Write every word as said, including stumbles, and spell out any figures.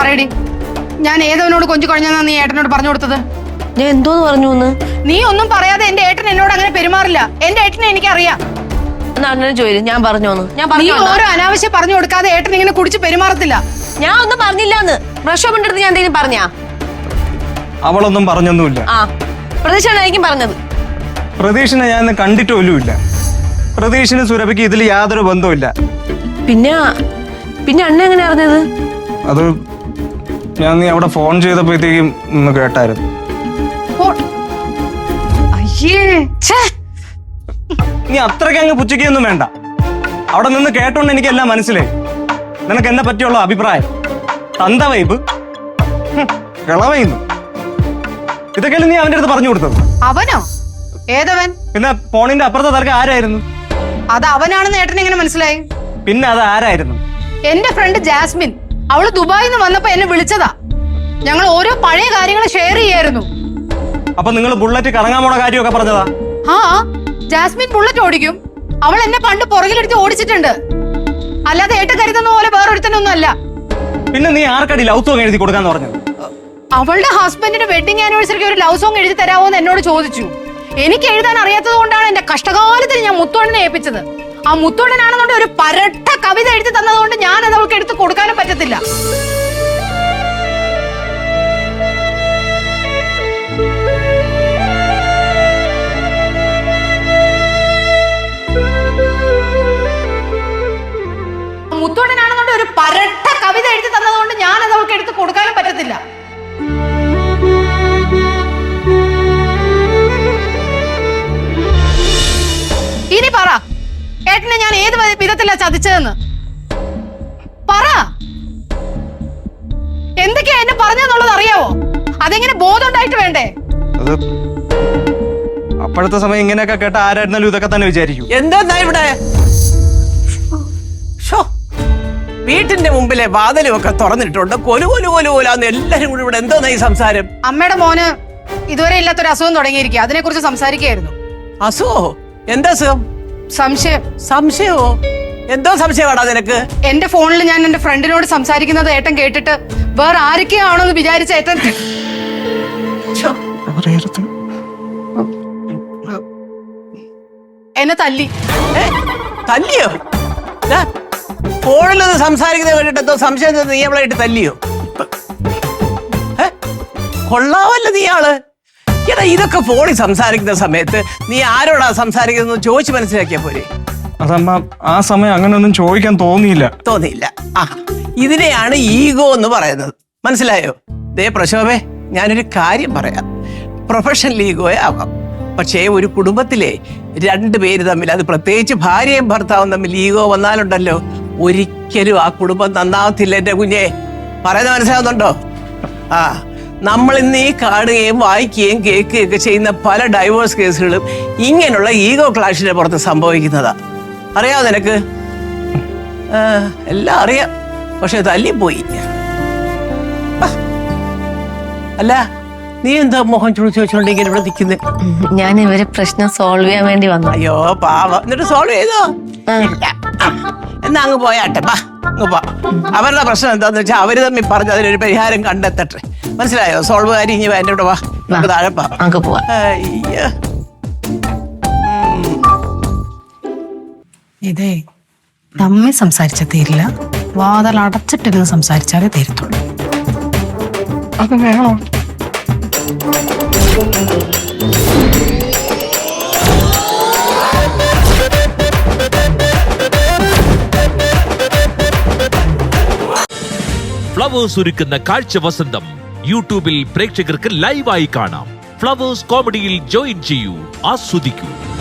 പറയടി, ഞാൻ ഏതവനോട് കൊഞ്ചു കുഴഞ്ഞാ നീ ഏട്ടനോട് പറഞ്ഞു കൊടുത്തത്? ഞാൻ എന്തോന്ന് പറഞ്ഞു? നീ ഒന്നും പറയാതെ എന്റെ ഏട്ടൻ എന്നോട് അങ്ങനെ പെരുമാറില്ല. എന്റെ ഏട്ടനെ എനിക്കറിയാം. അണ്ണനെ ചോദിച്ചു ഞാൻ പറഞ്ഞോന്ന്. ഞാൻ നീ ഓരോ അനാവശ്യം പറഞ്ഞു കൊടുക്കാതെ ഏട്ടൻ ഇങ്ങനെ കുടിച്ച് പെരുമാറത്തില്ല. ഞാൻ ഒന്നും പറഞ്ഞില്ലാന്ന്. പ്രക്ഷോഭന്റെ അടുത്ത് ഞാൻ എന്തെങ്കിലും പറഞ്ഞാ? അവളൊന്നും പറഞ്ഞൊന്നുമില്ല. ആ പ്രതീക്ഷയായിരിക്കും പറഞ്ഞത്. പ്രതീക്ഷനെ ഞാൻ കണ്ടിട്ടുമില്ല. പ്രതീക്ഷന് സുരഭിക്ക് ഇതിൽ യാതൊരു ബന്ധവുമില്ല. പിന്നെ പിന്നെ അണ്ണ എങ്ങനെ അറിഞ്ഞത്? അത് ഞാൻ നീ അവിടെ ഫോൺ ചെയ്തപ്പോഴത്തേക്കും ഒന്ന് കേട്ടായിരുന്നു. നീ അത്രയ്ക്ക് അങ്ങ് പുച്ഛിക്കൊന്നും വേണ്ട. അവിടെ നിന്ന് കേട്ടോണ്ട് എനിക്കെല്ലാം മനസ്സിലായി. നിനക്ക് എന്നെ പറ്റിയുള്ള അഭിപ്രായം തന്ത വൈബ് കിളവയുന്നു. ഇതൊക്കെയല്ലേ നീ അവന്റെ അടുത്ത് പറഞ്ഞു കൊടുത്തത്? അവനോ? ഏതവൻ? പിന്നെ ഫോണിന്റെ അപ്പുറത്തെ തർക്കം ആരായിരുന്നു? അത് അവനാണെന്ന് ഏട്ടൻ എങ്ങനെ മനസ്സിലായി? പിന്നെ അത് ആരായിരുന്നു? എന്റെ ഫ്രണ്ട് ജാസ്മിൻ. അവള് ദുബായിൽ നിന്ന് വന്നപ്പോ എന്നെ വിളിച്ചതാ. ഞങ്ങൾ ഓരോ പഴയ കാര്യങ്ങൾ ഷെയർ ചെയ്യായിരുന്നു. അപ്പൊ നിങ്ങൾ ബുള്ളറ്റ് കറങ്ങാൻ പോണ കാര്യമൊക്കെ പറഞ്ഞതാ? ആ, ജാസ്മിൻ ബുള്ളറ്റ് ഓടിക്കും. അവൾ എന്നെ പണ്ട് പുറകിലെടുത്ത് ഓടിച്ചിട്ടുണ്ട്. അല്ലാതെ ഏട്ട കരുതുന്ന പോലെ വേറൊരുത്തനൊന്നും അല്ല. പിന്നെ നീ ആർക്കടി ലവ് സോങ് എഴുതി കൊടുക്കാന്ന് പറഞ്ഞത്? അവളുടെ ഹസ്ബൻഡിന്റെ വെഡിങ് ആനിവേഴ്സറിക്ക് ഒരു ലവ് സോങ് എഴുതി തരാമോ എന്ന് എന്നോട് ചോദിച്ചു. എനിക്ക് എഴുതാൻ അറിയാത്തത് കൊണ്ടാണ് എന്റെ കഷ്ടകാലത്തിൽ ഞാൻ മുത്തോണ്ണനെ ഏൽപ്പിച്ചത്. ആ മുത്തോണ്ണനാണെന്നുണ്ട് ഒരു പരട്ട കവിത എഴുതി തന്നതുകൊണ്ട് ഞാൻ അത് അവൾക്ക് എടുത്ത് കൊടുക്കാനും പറ്റത്തില്ല. മുത്തോണ്ണനാണെന്നുണ്ട് ഒരു പരട്ട കവിത എഴുതി തന്നതുകൊണ്ട് ഞാൻ അത് അവൾക്ക് എടുത്ത് കൊടുക്കാനും പറ്റത്തില്ല. ഇനി പറ, ഏട്ടനെ ഞാൻ ഏത് വിധത്തിലാ ചതിച്ചതെന്ന് പറ. എന്തൊക്കെയാ എന്നെ പറഞ്ഞെന്നുള്ളത് അറിയാവോ? അതെങ്ങനെ ബോധം ഉണ്ടായിട്ട് വേണ്ടേ? അത് അപ്പോഴത്തെ സമയം ഇങ്ങനെയൊക്കെ കേട്ട ആരായിരുന്നാലും ഇതൊക്കെ തന്നെ വിചാരിക്കും. എന്താ ഇവിടെ വീട്ടിന്റെ മുമ്പിലെ വാതിലും ഒക്കെ തുറന്നിട്ടുണ്ട്. കൊലു കൊലു കൊലു കൊലാന്ന് എല്ലാരും കൂടി ഇവിടെ എന്തോന്നാ ഈ സംസാരം? അമ്മയുടെ മോന് ഇതുവരെ ഇല്ലാത്തൊരു അസുഖം തുടങ്ങിയിരിക്കുക. അതിനെ കുറിച്ച് സംസാരിക്കുകയായിരുന്നു. അസുഖോ? എന്താ അസുഖം? സംശയം. സംശയമോ? എന്തോ സംശയമാണോ നിനക്ക്? എന്റെ ഫോണിൽ ഞാൻ എന്റെ ഫ്രണ്ടിനോട് സംസാരിക്കുന്നത് ഏട്ടൻ കേട്ടിട്ട് വേറെ ആരൊക്കെയാണോ എന്ന് വിചാരിച്ച ഏട്ടൻ എന്നെ തല്ലി. തല്ലിയോ? ഫോണിലൊന്ന് സംസാരിക്കുന്നത് കേട്ടിട്ട് എന്തോ സംശയം നീ അവളായിട്ട് തല്ലിയോ? കൊള്ളാവല്ലോ നീ ആള്. എടാ ഇതൊക്കെ ഫോണിൽ സംസാരിക്കുന്ന സമയത്ത് നീ ആരോടാ സംസാരിക്കുന്നത് ചോദിച്ച് മനസ്സിലാക്കിയാ പോരെ? അതമ്മ ആ സമയം അങ്ങനെയൊന്നും ചോദിക്കാൻ തോന്നിയില്ല. തോന്നിയില്ല. ആ ഇതിനെയാണ് ഈഗോ എന്ന് പറയുന്നത്. മനസ്സിലായോ? ദേ പ്രശോഭേ, ഞാനൊരു കാര്യം പറയാം. പ്രൊഫഷണൽ ഈഗോയെ ആവാം. പക്ഷേ ഒരു കുടുംബത്തിലെ രണ്ടു പേര് തമ്മിൽ, അത് പ്രത്യേകിച്ച് ഭാര്യയും ഭർത്താവും തമ്മിൽ ഈഗോ വന്നാലുണ്ടല്ലോ ഒരിക്കലും ആ കുടുംബം നന്നാവത്തില്ല. എന്റെ കുഞ്ഞെ പറയുന്നത് മനസ്സിലാവുന്നുണ്ടോ? ആ നമ്മൾ ഇന്ന് ഈ കാണുകയും വായിക്കുകയും കേൾക്കുകയും ഒക്കെ ചെയ്യുന്ന പല ഡൈവോഴ്സ് കേസുകളും ഇങ്ങനെയുള്ള ഈഗോ ക്ലാഷിന്റെ പുറത്ത് സംഭവിക്കുന്നതാ. അറിയാവോ നിനക്ക്? എല്ലാം അറിയാം, പക്ഷെ തല്ലിപ്പോയി. അല്ല നീ എന്താ മോഹൻ ചുളിച്ച് വെച്ചോണ്ട് ഇങ്ങനെ ഇവിടെ നിൽക്കുന്നത്? ഞാൻ ഇവരെ പ്രശ്നം സോൾവ് ചെയ്യാൻ വേണ്ടി വന്നു. അയ്യോ പാവം. എന്നിട്ട് സോൾവ് ചെയ്തോ? എന്നാ അങ്ങ് പോയാട്ടെ. ബാ അങ്ങ് പോ. അവരുടെ പ്രശ്നം എന്താന്ന് വെച്ചാൽ അവര് തമ്മിൽ പറഞ്ഞ് അതിനൊരു പരിഹാരം കണ്ടെത്തട്ടെ. മനസ്സിലായോ? സോൾവ് കാര്യം ഇനി എന്റെ ഇവിടെ വാ, നമുക്ക് താഴെ പോവാം. അയ്യോ ഇതേ തമ്മിൽ സംസാരിച്ച തീരില്ല. വാതിൽ അടച്ചിട്ടിരുന്ന് സംസാരിച്ചാലേ തീരത്തുള്ളൂ. അത് വേണോ? ഫ്ലവേഴ്സ് ഒരുക്കുന്ന കാഴ്ച വസന്തം യൂട്യൂബിൽ പ്രേക്ഷകർക്ക് ലൈവായി കാണാം. ഫ്ലവേഴ്സ് കോമഡിയിൽ ജോയിൻ ചെയ്യൂ, ആസ്വദിക്കൂ.